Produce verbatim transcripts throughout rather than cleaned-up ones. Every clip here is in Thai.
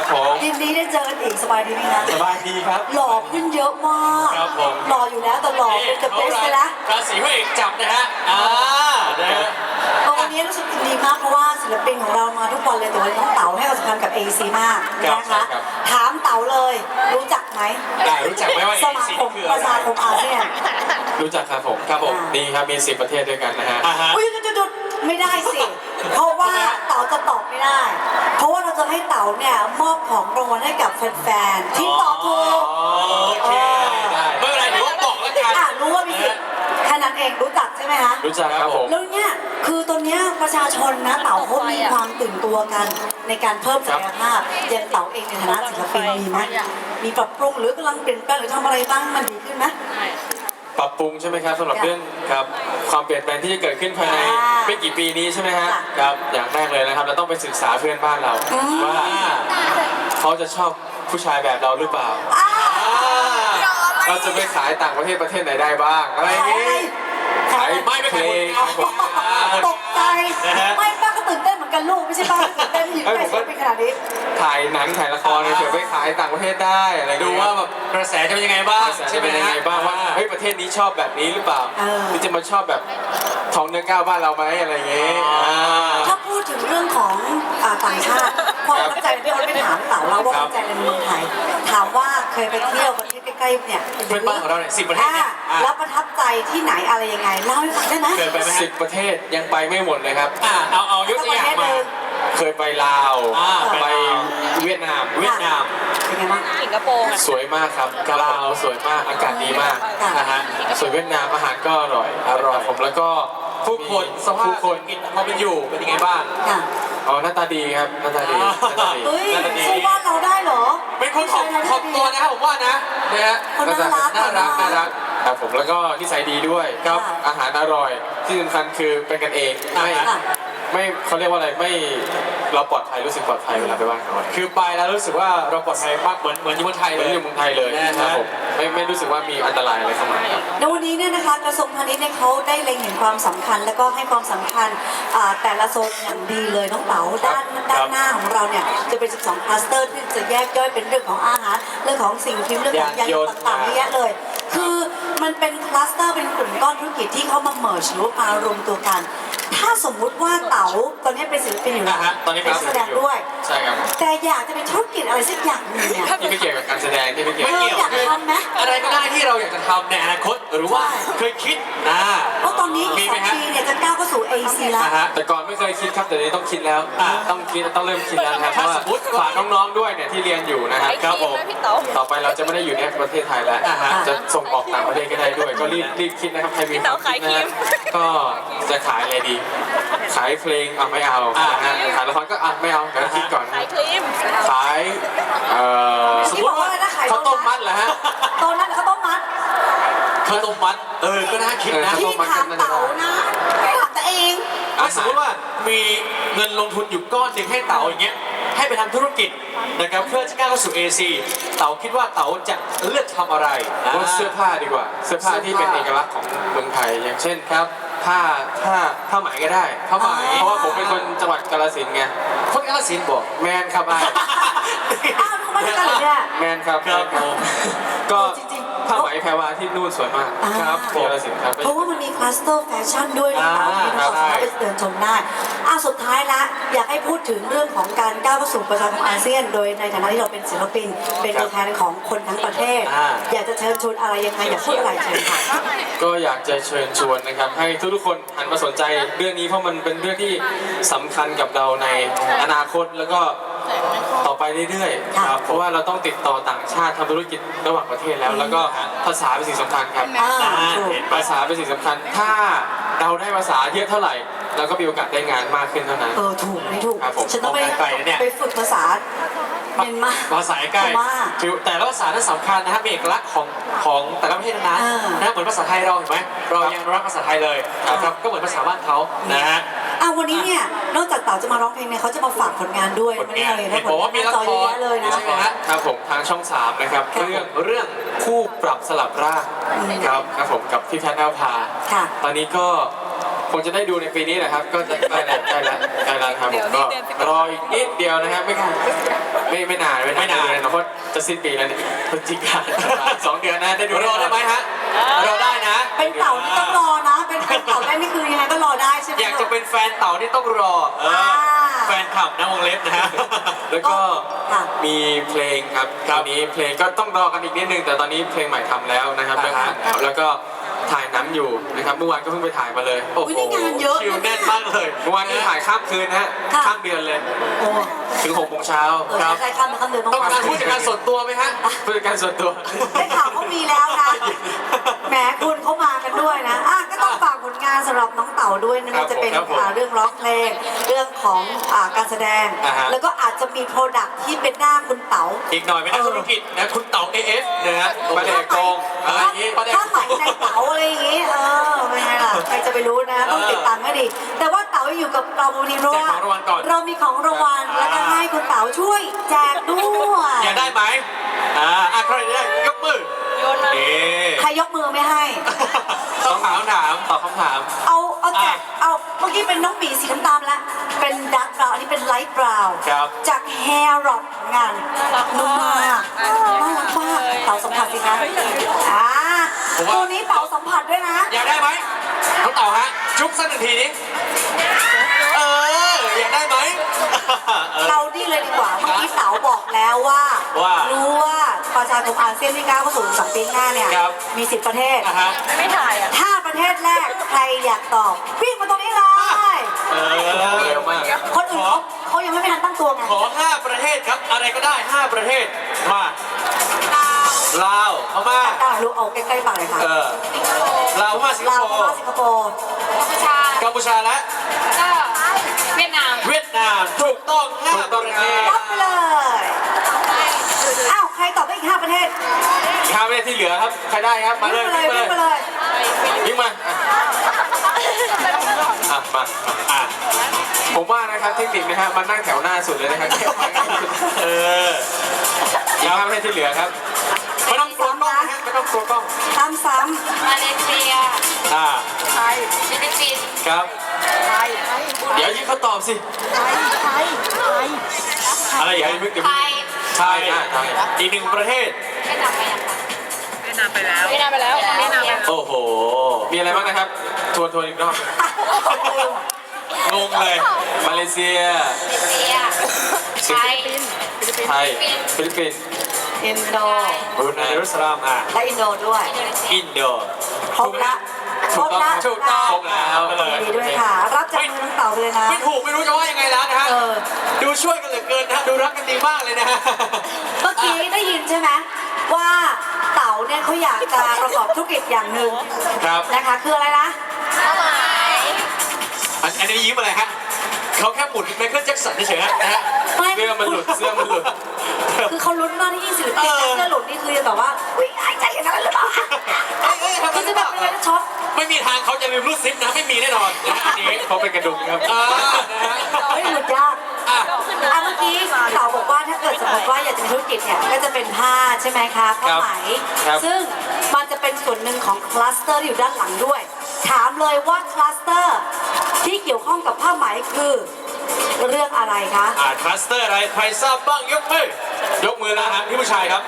ครับผมยินดีได้เจอกันอีกสบายดีไหมคะสบายดีครับหล่อขึ้นเยอะมากครับผมหล่ออยู่แล้วแต่หล่อเป็นกับเบสไปแล้วราศีพระเอกจับนะฮะอ่านะฮะวันนี้รู้สึกดีมากเพราะว่าศิลปินของเรามาทุกวันเลยแต่วันนี้น้องเต๋าให้ความสำคัญกับ เอ ซี มากนะคะถามเต๋าเลยรู้จักไหมรู้จักไหมว่าสมาคมประชาคมอาเซียนรู้จักครับผมครับผมดีครับมีสิบประเทศด้วยกันนะฮะอุ้ยจุดๆไม่ได้สิเพราะว่าเต๋าจะตอบไม่ได้ เพราะว่าเราจะให้เต๋าเนี่ยมอบของรางวัลให้กับแฟนๆที่ตอบถูกโอเคได้ไม่เป็นไรเดี๋ยวบอกแล้วกันอ่ะรู้ว่ามีสิทธิ์แค่นั้นเองรู้จักใช่ไหมคะรู้จักครับผมแล้วเนี่ยคือตอนนี้ประชาชนนะเต๋าเขามีความตื่นตัวกันในการเพิ่มศักยภาพอย่างเต๋าเองในฐานะศิลปินมีไหมมีปรับปรุงหรือกำลังเปลี่ยนแปลงหรือทำอะไรบ้างมันดีขึ้นไหมปรับปรุงใช่ไหมครับสำหรับเรื่องครับความเปลี่ยนแปลงที่จะเกิดขึ้นภายในไม่กี่ปีนี้ใช่ไหมฮะครับอย่างแรกเลยนะครับเราต้องไปศึกษาเพื่อนบ้านเราว่าเขาจะชอบผู้ชายแบบเราหรือเปล่าเราจะไปขายต่างประเทศประเทศไหนได้บ้างอะไรอย่างนี้ขายไม่ไม่เพลงตกใจไม่ป้าก็ตื่นเต้นเหมือนกันลูกไม่ใช่ป้าตื่นเต้นที่อยู่ในชีวิตเป็นขนาดนี้ถ่ายหนังถ่ายละครเฉยไปขายต่างประเทศได้อะไรดูว่าแบบกระแสจะเป็นยังไงบ้างใช่ไหมยังไงบ้างว่าเฮ้ยประเทศนี้ชอบแบบนี้หรือเปล่าหรือจะมาชอบแบบทองเนื้อก้าวบ้านเราไหมอะไรอย่างเงี้ยถ้าพูดถึงเรื่องของต่างชาติความตั้งใจที่เราไม่ถามเต๋าเราว่าตั้งใจในเมืองไทยถามว่าเคยไปเที่ยวประเทศใกล้ๆเนี่ยเพื่อนบ้านของเราเนี่ยสิบประเทศเนี่ยแล้วประทับใจที่ไหนอะไรยังไงเล่าให้ฟังได้ไหมสิบประเทศยังไปไม่หมดเลยครับเอาเอายกตัวอย่างมาเคยไปลาวไปเวียดนามเวียดนามเป็นไงบ้างสิงคโปร์สวยมากครับลาวสวยมากอากาศดีมากนะฮะส่วนเวียดนามอาหารก็อร่อยอร่อยผมแล้วก็ผู้คนสภาพผู้คนกินพอเป็นอยู่เป็นยังไงบ้างอ๋อหน้าตาดีครับหน้าตาดีหน้าตาดีหน้าตาดีสู้บ้านเราได้เหรอเป็นคนถ่อมถ่อมตัวนะครับผมว่านะนะฮะน่ารักน่ารักน่ารักครับผมแล้วก็นิสัยดีด้วยครับอาหารอร่อยที่สำคัญคือเป็นกันเองไม่ไม่เขาเรียกว่าอะไรไม่เราปลอดภัยรู้สึกปลอดภัยเวลาไปบ้านเขาคือไปแล้วรู้สึกว่าเราปลอดภัยมากเหมือนเหมือนอยู่เมืองไทยเลยอยู่เมืองไทยเลยนะครับผมไม่ไม่รู้สึกว่ามีอันตรายอะไรเข้ามาครับในวันนี้เนี่ยนะคะกระทรวงพาณิชย์เนี่ยเขาได้เล็งเห็นความสำคัญแล้วก็ให้ความสำคัญแต่ละโซนอย่างดีเลยน้องเต๋าด้านด้านหน้าของเราเนี่ยจะเป็นสิบสองคลัสเตอร์ที่จะแยกย่อยเป็นเรื่องของอาหารเรื่องของสิ่งพิมพ์เรื่องของยานยนต์ต่างๆเยอะแยะเลยคือมันเป็นคลัสเตอร์เป็นกลุ่มก้อนธุรกิจที่เขามาเมิร์จหรือว่ามารวมตัวกันถ้าสมมุติว่าเต๋าตอนนี้เป็นศิลปินอยู่แล้วตอนนี้เป็นแสดงด้วยใช่ครับแต่อยากจะเป็นธุรกิจอะไรสักอย่างนึงเนี่ยที่ไม่เกี่ยวกับการแสดงที่ไม่เกี่ยวอยากทำไหมอะไรก็ได้ที่เราอยากจะทำในอนาคตหรือว่าเคยคิดนะเพราะตอนนี้อีกสองปีเนี่ยจะก้าวเข้าสู่ เอ ซี แล้วแต่ก่อนไม่เคยคิดครับแต่นี้ต้องคิดแล้วต้องคิดต้องเริ่มคิดแล้วครับถ้าสมมติฝากน้องๆด้วยเนี่ยที่เรียนอยู่นะครับครับผมต่อไปเราจะไม่ได้อยู่ในประเทศไทยแล้วจะส่งออกต่างประเทศก็ได้ด้วยก็รีบรีบคิดนะครับใครมีความคิดนะก็จะขายอะไรดีขายเพลงอ่ะไม่เอาขายละครก็อ่ะไม่เอาเดี๋ยวคิดก่อนขายครีมขายเอ่อสมมติว่าข้าวต้มมัดเหรอฮะตอนนั้นข้าวต้มมัดข้าวต้มมัดเออก็น่าคิดนะที่ถามเต๋านะไม่ถามตัวเองสมมติว่ามีเงินลงทุนอยู่ก้อนหนึ่งให้เต๋าอย่างเงี้ยให้ไปทำธุรกิจนะครับเพื่อจะก้าวเข้าสู่ เอ ซี เต๋าคิดว่าเต๋าจะเลือกทำอะไรว่าเสื้อผ้าดีกว่าเสื้อผ้าที่เป็นเอกลักษณ์ของเมืองไทยอย่างเช่นครับผ้าผ้าผ้าไหมก็ได้ผ้าไหมเพราะว่าผมเป็นคนจังหวัดกาฬสินธุ์ไงคนกาฬสินธุ์บอกแมนครับไอ้อ้าวทำไมกันเนี่ยแมนครับครับก็ผ้าไหมแพรวาที่นู่นสวยมากครับกาฬสินธุ์ครับเพราะว่ามันมีคลัสเตอร์แฟชั่นด้วยนะคะที่เราสามารถไปเดินชมได้อ่ะสุดท้ายละอยากให้พูดถึงเรื่องของการก้าวเข้าสู่ประชาคมอาเซียนโดยในฐานะที่เราเป็นศิลปินเป็นตัวแทนของคนทั้งประเทศอยากจะเชิญชวนอะไรยังไงอยากพูดอะไรเชิญค่ะก็อยากจะเชิญชวนนะครับให้ทุกๆคนหันมาสนใจเรื่องนี้เพราะมันเป็นเรื่องที่สำคัญกับเราในอนาคตแล้วก็ต่อไปเรื่อยๆครับเพราะว่าเราต้องติดต่อต่างชาติทำธุรกิจระหว่างประเทศแล้วแล้วก็ภาษาเป็นสิ่งสำคัญครับภาษาเป็นสิ่งสำคัญถ้าเราได้ภาษาเยอะเท่าไหร่เราก็มีโอกาสได้งานมากขึ้นเท่านั้นเออถูกไม่ถูกฉันต้องไปไปฝึกภาษาเมียนมาภาษาใกล้แต่ละภาษานั้นสำคัญนะครับเป็นเอกลักษณ์ของของแต่ละประเทศนั้นนะเหมือนภาษาไทยเราเห็นไหมเรายังรักภาษาไทยเลยครับก็เหมือนภาษาบ้านเขานะฮะอ่ะวันนี้เนี่ยนอกจากเต๋าจะมาร้องเพลงเนี่ยเขาจะมาฝากผลงานด้วยไม่ได้เลยนะผลงานมีละครเลยนะครับผมทางช่องสามนะครับเรื่องเรื่องคู่ปรับสลับร่างครับครับผมกับพี่แพทย์แอลพาตอนนี้ก็คงจะได้ดูในปีนี้แหละครับก็จะใกล้แล้วใกล้แล้วใกล้แล้วครับผมก็รออีกนิดเดียวนะครับไม่ไม่ไม่นานไม่ไม่นานเลยนะเพราะจะสิ้นปีแล้วเนี่ยพฤศจิกายนสองเดือนนะได้ดูรอได้ไหมฮะรอได้นะเป็นเต่าที่ต้องรอนะ เป็นเป็นเต่าได้นี่คือยังไงก็รอได้ใช่ไหมอยากจะเป็นแฟนเต่าที่ต้องรอเออแฟนคลับนะวงเล็บนะฮะแล้วก็ค่ะมีเพลงครับตอนนี้เพลงก็ต้องรอกันอีกนิดนึงแต่ตอนนี้เพลงใหม่ทำแล้วนะครับเรื่องนั้นแล้วก็ถ่ายหนังอยู่นะครับเมื่อวานก็เพิ่งไปถ่ายมาเลยโอ้อุ้ยโหนี่งานเยอะคิวแน่นมากเลยเมื่อวานนี้ถ่ายข้ามคืนนะฮะค่ะข้ามเดือนเลยโอ้ถึงหกโมงเช้าเออใครๆข้ามมาข้ามเดือนต้ต้ออง งการมาผู้จัดการส่วนตัวไหมฮะผู้จัดการส่วนตัวได้ข่าวเขามีแล้วนะ แหมคุณเขามากันด้วยนะอ่ะก็ต้องฝากผลงานสำหรับน้องเต่าด้วยนะครัมันบจะเป็นครับผมอ่าเรื่องร้องเพลง เรื่องของอ่าการแสดงอ่าฮะแล้วก็อาจจะมีโปรดักที่เป็นหน้าคุณเต๋าอีกหน่อยเป็นนักธุรกิจนะคุณเต่า เอ เอฟ นะฮะประเดกกงอะไรอย่างงี้ถ้าไหมในเต๋าอะไรอย่างงี้ เออเป็นไงล่ะ ใครจะไปรู้นะ ต้องติดตามให้ดี แต่ว่าเต๋าอยู่กับเราวันนี้เพราะว่าแจกของรางวัลก่อนเรามีของรางวัล แล้วก็ให้คุณเต๋าช่วยแจกด้วยอยากได้ไหมอ่าอ่ะใครได้ยกมือเอ๊ะใครยกมือไม่ให้ต้องถามถามตอบคำถามเอาเอาแจกอ่ะเอาเมื่อกี้เป็นน้องหมีสีน้ำตาลแล้ว เป็นดาร์กบราวน์อันนี้เป็นไลท์บราวน์ครับจากแฮร์ร็อกงานนุ่มมากน่ารักมากเต่าสัมผัสสิคะอ่าตัวนี้เต่าสัมผัสด้วยนะอยากได้ไหมน้องเต่าฮะ จุ๊บสักหนึ่งทีนี้เออ อยากได้ไหมเออเราดีเลยดีกว่า เมื่อกี้เต๋าบอกแล้วว่าว่ารู้ว่าประชาคมอาเซียนที่ก้าวเข้าสู่สองปีหน้าเนี่ยครับมีสิบประเทศอ่ะฮะไม่ถ่ายอ่ะถ้าประเทศแรกใครอยากตอบ วิ่งมาตรงนี้เลยเออเร็วมากคนอื่นเขาเขายังไม่ทันตั้งตัวไงขอห้าประเทศครับ อะไรก็ได้ห้าประเทศ มา ลาว พม่าตาลูกเอาใกล้ๆปากเลยค่ะเออ ลาว พม่า สิงคลาวโปพม่าร์สิงคโปร์ชากัมพูชาและก็เวียดนามเวียดนาม ถูกต้องห้าถูกต้องประเทศรับไปเลย อ้าว ใครตอบได้อีกห้าประเทศข้ามไปที่เหลือครับ ใครได้ครับ มาเลยวิ่งวิ่งไปมาเลเลย ยวิ่งไปเลยวิ่งมาอ่ะอ่ะมาอ่ะผมว่านะครับเทคนิคนะฮะมันนั่งแถวหน้าสุดเลยนะครับเอออีกห้าประเทศที่เหลือครับไม่ต้องกลัวกล้องนะฮะไม่ต้องกลัวกล้องซ้ำซ้มาเลเซียอ่าไทยฟิลิปปินส์ครับไทยเดี๋ยวยิงเขาตอบสิไทยไทยไทยอะไรอย่างเดี๋ยวนี้เพิ่งเดี๋ยวไทเพิ่งยไทยอ่ะไทยอีกหนึ่งประเทศเวียดนามไปยังคะเวียดนามไปแล้วเวียดนามไปแล้วเวียดนามไปแล้วโอ้โหมีอะไรบ้างนะครับ ทวนทวนอีกรอบำงงเลยมาเลเซียมาเลเซียไทยไทย ฟิลิปปินส์อินโดบรูไนดารุสลามอ่ะและอินโดด้วยอินโดครบละครบละถูกต้องครบแล้วไปเลยดีด้วยค่ะ รับจากมือน้องเต่าไปเลยนะไม่ถูกไม่รู้จะว่ายังไงแล้วนะฮะเออดูช่วยกันเหลือเกินนะฮะดูรักกันดีมากเลยนะฮะเมื่อกี้ได้ยินใช่ไหมว่าเต๋าเนี่ยเขาอยากจะประกอบธุรกิจอย่างหนึ่งครับนะคะ คืออะไรนะเป้าหมายอันอันนี้ยิ้มอะไรฮะเขาแค่หมุนไมเคิลแจ็คสันเฉยๆฮะนะฮะไม่เสื้อมันหลุด เสื้อมันหลุดคือเขาลุ้นมากที่ยิ่งศิลปินเออเสื้อหลุดนี่คือแบบว่าอุ้ยอายใจอย่างนั้นหรือเปล่าเอ้ยเอ้ยทำไมคือจะแบบเป็นอะไรนะช็อกไม่มีทางเขาจะลืมรูดซิปนะไม่มีแน่นอนนะฮะอันนี้เขาเป็นกระดุมครับอ่านะฮะเฮ้ยหลุดยากอ่ะอ่ะเมื่อกี้เต๋าบอกว่าถ้าเกิดสมมติว่าอยากจะมีธุรกิจเนี่ยก็จะเป็นผ้าใช่ไหมคะผ้าไหมครับซึ่งมันจะเป็นส่วนหนึ่งของคลัสเตอร์ที่อยู่ด้านหลังด้วย ถามเลยว่าคลัสเตอร์ที่เกี่ยวข้องกับผ้าไหมคือเรื่องอะไรคะอ่าคลัสเตอร์อะไรใครทราบบ้างยกมือยกมือนะฮะพี่ผู้ชายครับ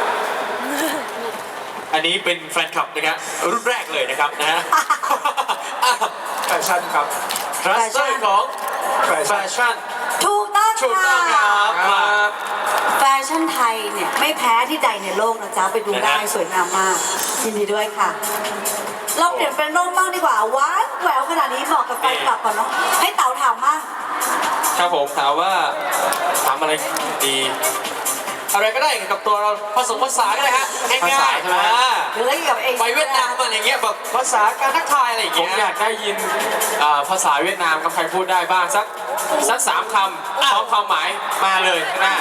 อันนี้เป็นแฟนคลับนะครับรุ่นแรกเลยนะครับนะฮะแฟชั่นครับคลัสเตอร์ของแฟชั่นถูกต้องถูกต้องคค่ะรับมาแฟชั่นไทยเนี่ยไม่แพ้ที่ใดในโลกนะจ๊ะไปดูได้นะฮะสวยงามมากยินดีด้วยค่ะ เราเปลี่ยนเป็นร่มบ้างดีกว่าหวานแหววขนาดนี้เหมาะกับแฟนคลับก่อนเนาะให้เต๋าถามมั่งครับผมถามว่าถามอะไรดีอะไรก็ได้กับตัวเราผสมภาษาก็ได้ฮะง่ายๆภาษาใช่ไหมอ่าหรืออะไรเกี่ยวกับเองไปเวียดนามอะไรเงี้ยแบบภาษาการทักทายอะไรอย่างผมเงี้ยอยากได้ยินอ่าภาษาเวียดนามครับใครพูดได้บ้างสักสักสามคำพร้อมความหมายมาเลยข้างหน้า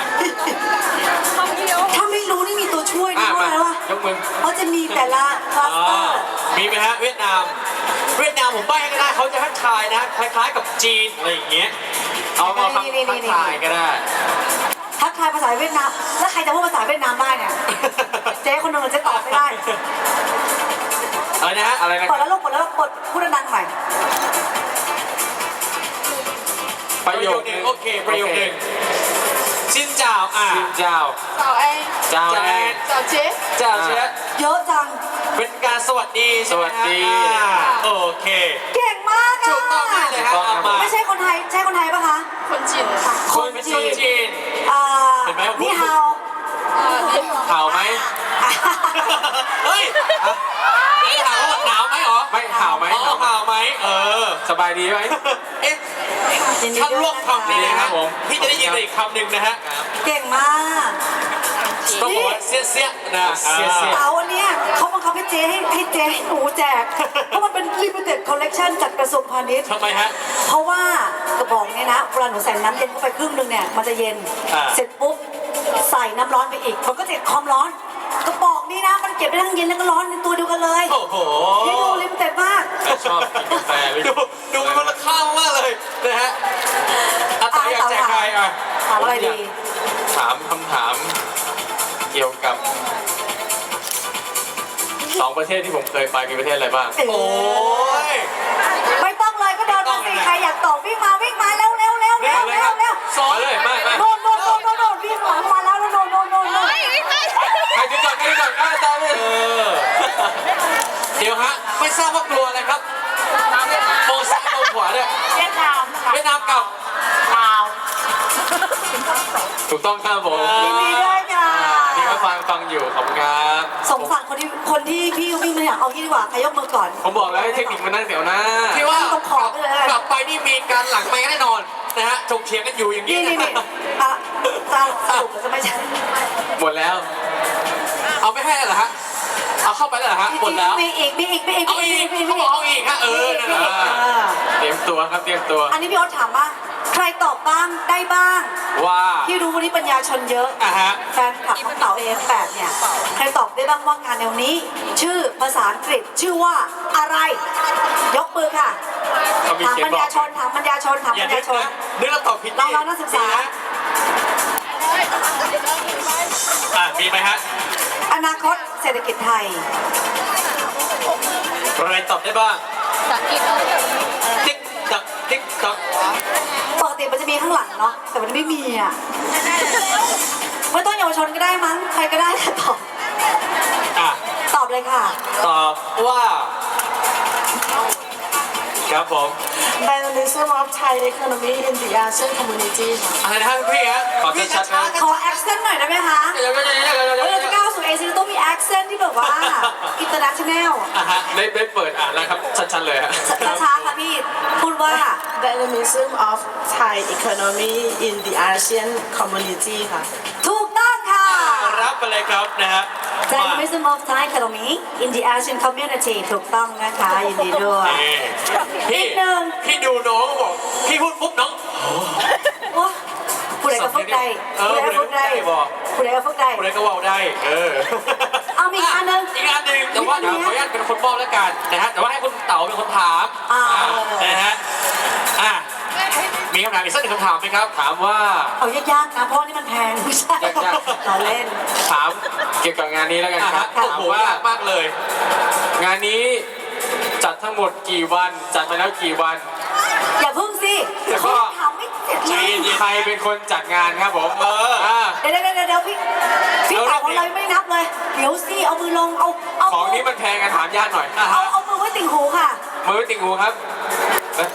ถ้าไม่รู้นี่มีตัวช่วยอ่ะด้วยมานะวะยกมือเขาจะมีแต่ละคลัสเตออ่าร์มีไหมฮะเวียดนาม เวียดนามผมใบ้ให้ก็ได้เขาจะทักทายนะคล้ายๆกับจีนอะไรอย่างเงี้ยเอาเอาคำทักทายก็ได้ทักทายภาษาเวียดนามแล้วใครจะพูดภาษาเวียดนามได้เนี่ย เจ๊คนหนึงจะตอบไม่ได้อะไรนะฮะอะไรนะกดแล้วลูกกดแล้วกดพูดดังๆหน่อยประโยคหนึ่งโอเคประโยคหนึ่งชินเจ้าอ่ะชินเจ้า早安， เจ้าเจ้าแอน早杰， เจ้าเชื้อเยอะจังเป็นการสวัสดีใช่ไหมฮะสวัสดีอ่าโอเคเก่งมากอะถูกต้องได้เลยฮะเอามาไม่ใช่คนไทยใช่คนไทยปะคะ坤进， คนเป็นคนจีนอ่าเห็นไหมผมพูดนี่ฮาว啊，你好， เข่าไหมเฮ้ยไอ้ถามว่าหนาวไหมเหรอไม่เข่าไหมอ๋อหนาวไหมเออสบายดีไหมเอ๊ะยินดีถ้าด้วยร่วมคำนี้นะคครัรับบ ผมพี่จะได้ยินอีกคำหนึ่งนะฮะเก่งมากต้องบอกว่าเสี้ยเสี้ยนะเสี้ยเสี้ยเต๋าอันเนี้ยเขาบังคับให้เจ๊ให้ให้เจ๊ให้หนูแจก เพราะมันเป็น limited collection จากกระทรวงพาณิชย์ทำไมฮะเพราะว่ากระบอกเนี่ยนะเวลาหนูใส่น้ำเย็นเข้าไปครึ่งหนึงเนี่ยมันจะเย็นอ่าเสร็จปุ๊บใส่น้ำร้อนไปอีกมันก็จะเกิดความร้อน กระบอกนี้นะมันเก็บได้ทั้งเย็นแล้วก็ร้อนในตัวเดียวกันเลยโอ้โหนี่ดูลิมิเต็ดมากใครชอบกินกาแฟหรือดูดูมันมูลค่ามากเลยนะฮะอาตาอยากแจกใครอ่ะถามอะไรดีถามคำถามเกี่ยวกับสองประเทศที่ผมเคยไปมีประเทศอะไรบ้างเอ๋โอ้ยไม่ต้องเลยก็เดินมาสิใครอยากตอบวิ่งมาวิ่งมาเร็วเร็วเร็วเร็วเร็วเร็วสอนมาเลยมามาโน่นโน่นโน่นโน่นโน่นวิ่งหลังมาแล้วโน่นโน่นโน่นโน่นใครจะก่อนใครจะก่อนก็ตามเลยเออเดี๋ยวฮะ ไม่ทราบว่ากลัวอะไรครับมองซ้ายมองขวาเนี่ย越南， เวียดนามกับ老， ถูกต้องครับผมยินดีด้วยค่ะนี่ก็ฟังฟังอยู่ขอบคุณครับสงสารคนที่คนที่พี่วิ่งมาอยากเอายี่ดีกว่าใครยกมือก่อนผมบอกแล้วให้เทคนิคมันนั่งเดี๋ยวหน้าที่ว่าต้องขอไปเลยกลับไปนี่มีการหลังไม่แน่นอนนะฮะถกเถียงกันอยู่อย่างนี้นี่นี่นะนี่อ่ะสรุปสรุปจะไม่ใช่หมดแล้วเอาไม่ให้แล้วเหรอฮะเอาเข้าไปแล้วเหรอฮะหมดแล้วมีอีกมีอีกมีอีกเอาอีกเขาบอกเอาอีกฮะเออนั่นแหละเออเตรียมตัวครับเตรียมตัวอันนี้พี่โอ๊ตถามว่าใครตอบบ้างได้บ้างว่าพี่รู้วันนี้ปัญญาชนเยอะอ่ะฮะแฟนคลับของเต๋าเอฟแปดเนี่ยใครตอบได้บ้างว่างานแนวนี้ ชื่อภาษาอังกฤษชื่อว่าอะไร ยกมือค่ะเขามีถามเขียนปัญบอญาก ชนถามปัญญาชนถามอย่าปัญนึญาก ชนนะนึกแล้วตอบผิดน้องๆนักศึกษาอ่ะมีไหมฮะอนาคตเศรษฐกิจไทยอะไรตอบได้บ้าง想一个， ติ๊กตักติ๊กตักปกติมันจะมีข้างหลังเนาะแต่มันไม่มีอ่ะไม่ต้องเยาวชนก็ได้มั้งใครก็ได้ค่ะตอบอ่ะตอบเลยค่ะตอบว่า ครับผม Dynamism of Thai economy in the ASEAN community อะไรนะพี่ฮะขอชัดๆนะขอแอคเซนต์หน่อยได้ไหมคะเดี๋ยวเดี๋ยวเดี๋ยวเดี๋ยวเดี๋ยวเวเดี๋ยวลาจะก้าวสู่เอเชียต้องมีแอคเซนต์ที่แบบว่า international อ่ะฮะได้ได้เปิดอ่านแล้วครับชัดๆเลยฮะช้าๆค่ะพี่ พูดว่า Dynamism of Thai economy in the ASEAN community ค่ะถูกต้องค่ะรับไปเลยครับนะฮะมา Dynamism of Thai economy in the Asian community ถูกต้องนะคะยินดีด้วยนี่พี่นิดนึงพี่ดูน้องบอกพี่พูดปุ๊บน้องโอ้ผู้ใดก็ฝึกได้เออผู้ใดก็ฝึกได้ผู้ใดก็ฝึกได้บอกผู้ใดก็ฝึกได้คนไหนก็เว่าได้ เออเอามีอีกอันหนึ่งอีกอันหนึ่งแต่ว่าเดี๋ยวขออนุญาตเป็นคนมอบแล้วกันนะฮะแต่ว่าให้คุณเต๋าเป็นคนถามอ่านะฮะอ่ะมีคำถามอีกสักหนึ่งคำถามไหมครับถามว่าเอายากๆนะเพราะว่านี่มันแพงไม่ใช่ยากๆเราเล่นถามเกี่ยวกับงานนี้แล้วกันอ่ะครัฮะบโอ้ถามโหว่ายากมากเลยงานนี้จัดทั้งหมดกี่วัน จัดมาแล้วกี่วันอย่าพึ่งสิแล้วก็ถามไม่เสร็จเลใจยเย็นใครเป็นคนจัดงานครับผมเอออ่าเดี๋ยวเดี๋ยวเดี๋ยวเดี๋ยวพี่พี่เอาตอบของเรื่เราองนี้ไม่นับเลย เดี๋ยวสิเอามือลงเอาเอาของมืนี้มันแพงกันถามญาติหน่อยอ่ะเอาฮะเอามือไว้ติ่งหูค่ะมือติ่งหูครับเอ๊ะ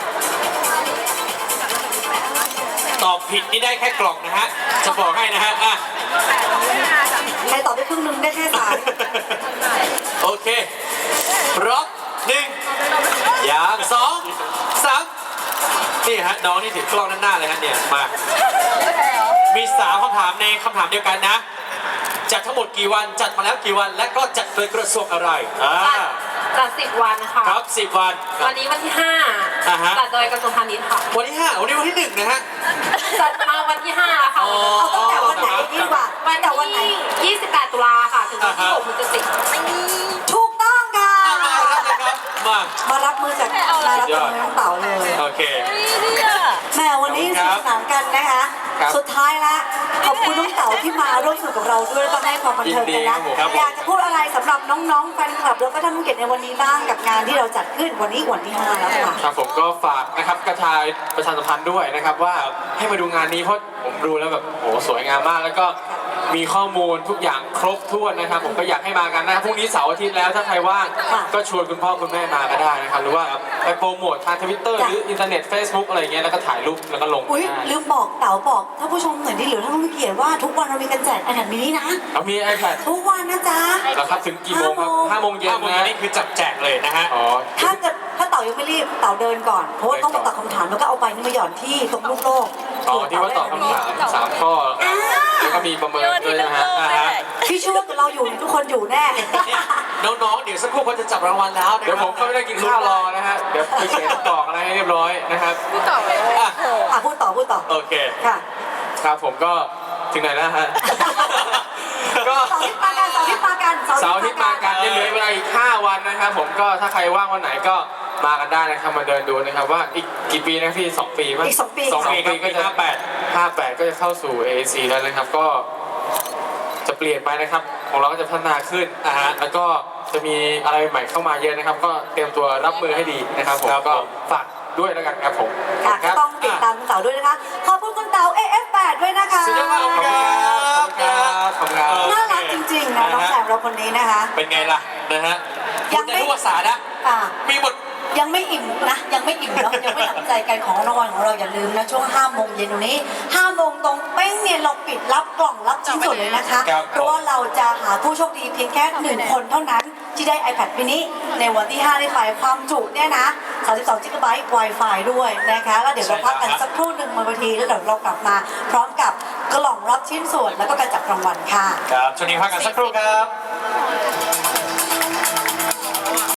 ตอบผิดนี่ได้แค่กล่องนะฮะ จะบอกให้นะฮะอ่ะใครตอบได้ครึ่งหนึงได้แค่สายโอเคพร้อมหนึ่งอย่างสองสามนี่ฮะน้องนี่ถือกล้องด้านหน้าเลยฮะเนี่ยมา มีสามคำถามในคำถามเดียวกันนะ จัดทั้งหมดกี่วันจัดมาแล้วกี่วัน และก็จัดโดยกระทรวงอะไรอ่าจัดสิบวันค่ะครับสิบวันวันนี้วันที่ห้าอ่าฮะจัดโดยกระทรวงพาณิชย์ค่ะวันที่ห้าวันนี้วันที่หนึ่งนะฮะจัดมาวันที่ห้าแล้วค่ะอ๋อเอาตั้งแต่วันไหนดีกว่าวันแต่วันไหนที่ยี่สิบแปดตุลาค่ะ ถึงวันที่อ่าฮะหกพฤศจิกายนถูกต้องค่ะอ่ะมาแล้วนะครับมามารับมือจากมารับมือน้องเต๋าเลยโอเคแหม่วันนี้ขอบคุณครับสนานกันนะคะครับสุดท้ายละขอบคุณน้องเต๋าที่มาร่วมสนุกกับเราด้วยแล้วก็ให้ความบันเทิงกันนะยินดีครับผมอยากจะพูดอะไรสำหรับน้องๆแฟนคลับแล้วก็ท่านผู้เกียรติในวันนี้บ้างกับงานที่เราจัดขึ้นวันนี้วันที่ห้าแล้วค่ะครับผมก็ฝากนะครับกระชายประชาสัมพันธ์ด้วยนะครับว่าให้มาดูงานนี้เพราะผมดูแล้วแบบโอ้สวยงามมากแล้วก็มีข้อมูลทุกอย่างครบถ้วนนะครับ ผมก็อยากให้มากันนะพรุ่งนี้เสาร์อาทิตย์แล้วถ้าใครว่างค่ะก็ชวนคุณพ่อคุณแม่มาก็ได้นะครับหรือว่าไปโปรโมททางทวิตเตอร์หรืออินเทอร์เน็ต Facebook อะไรเงี้ยแล้วก็ถ่ายรูปแล้วก็ลงอุ้ยได้ลืมบอกเต๋าบอกท่านผู้ชมหน่อยดิหรือท่านผู้เกียรติว่าทุกวันเรามีการแจกไอแพดมินินะเอามี iPad ทุกวันนะจ๊ะแล้วครับถึงกี่โมงครับห้าโมงเย็นห้าโมงนะเย็นนี่คือจับแจกเลยนะฮะอ๋อถ้าเกิดถ้าเต๋ายังไม่รีบเต๋าเดินก่อนเพราะว่าต้องตอบคำถามแล้วก็เอาไปนี่มาหย่อนที่ตรงลูกโลกอ๋อที่ว่าตอบคำถามสามข้อแล้วก็มีประเมินด้วยนะฮะอ่าฮะพี่ชื่อว่าเราอยู่ทุกคนอยู่แน่น้องๆ เดี๋ยวสักครู่เขาจะจับรางวัลแล้วนะเดี๋ยวผมก็ไม่ได้กินข้าวรอนะฮะ เดี๋ยวไปเขียนกรอกอะไรให้เรียบร้อยนะครับพูดต่อเลยอ่ะอ่ะพูดต่อพูดต่อโอเคค่ะครับผมก็ถึงไหนแล้วฮะ ก็เสาร์อาทิตย์มากันเสาร์อาทิตย์มากันเสาร์อาทิตย์มากันยังเหลือเวลาอีกห้าวันนะครับผมก็ถ้าใครว่างวันไหนก็มากันได้นะครับมาเดินดูนะครับว่าอีกกี่ปีนะพี่สองปีมั้ยอีกสองปีสองปีก็จะห้าแปดห้าแปดก็จะเข้าสู่ เอ ซี แล้วนะครับก็จะเปลี่ยนไปนะครับของเราก็จะพัฒนาขึ้นอ่าฮะแล้วก็จะมีอะไรใหม่เข้ามาเยอะนะครับ ก็เตรียมตัวรับมือให้ดีนะครับผมก็ฝากด้วยแล้วกันครับผมค่ะคก็รับต้องติดตามคุณเต๋าด้วยนะคะ ขอบคุณคุณเต๋า เอ เอฟ แปด ด้วยนะคะสุดยอดมากขอบคุณครับขอบคุณครับขอบคุณครับน่ารักจริงๆนะน้องแซมเราคนนี้นะคะเป็นไงล่ะนะฮะยัพูดงไม่ได้ทุกภาษานะอ่ามีหมดยังไม่อิ่มนะ ยังไม่อิ่มเนาะยังไม่หนำใจกันของรางวัลของเราอย่าลืมนะช่วงห้าโมงเย็นตรงนี้ห้าโมงตรงเป้งเนี่ยเราปิดรับกล่องรับชิ้นส่วนเลยนะคะครับเพราะว่าเราจะหาผู้โชคดีเพียงแค่หนึ่งคนเท่านั้นที่ได้ iPad mini ในวันที่ห้าได้ไปความจุเนี่ยนะสามสิบสอง จิกะไบต์ Wi-Fi ด้วยนะคะแล้วเดี๋ยวเราพักกันสักครู่หนึ่งบนเวทีแล้วเดี๋ยวเรากลับมา พร้อมกับกล่องรับชิ้นส่วนแล้วก็การจับรางวัลค่ะครับช่วงนี้พักกันสักครู่ครับ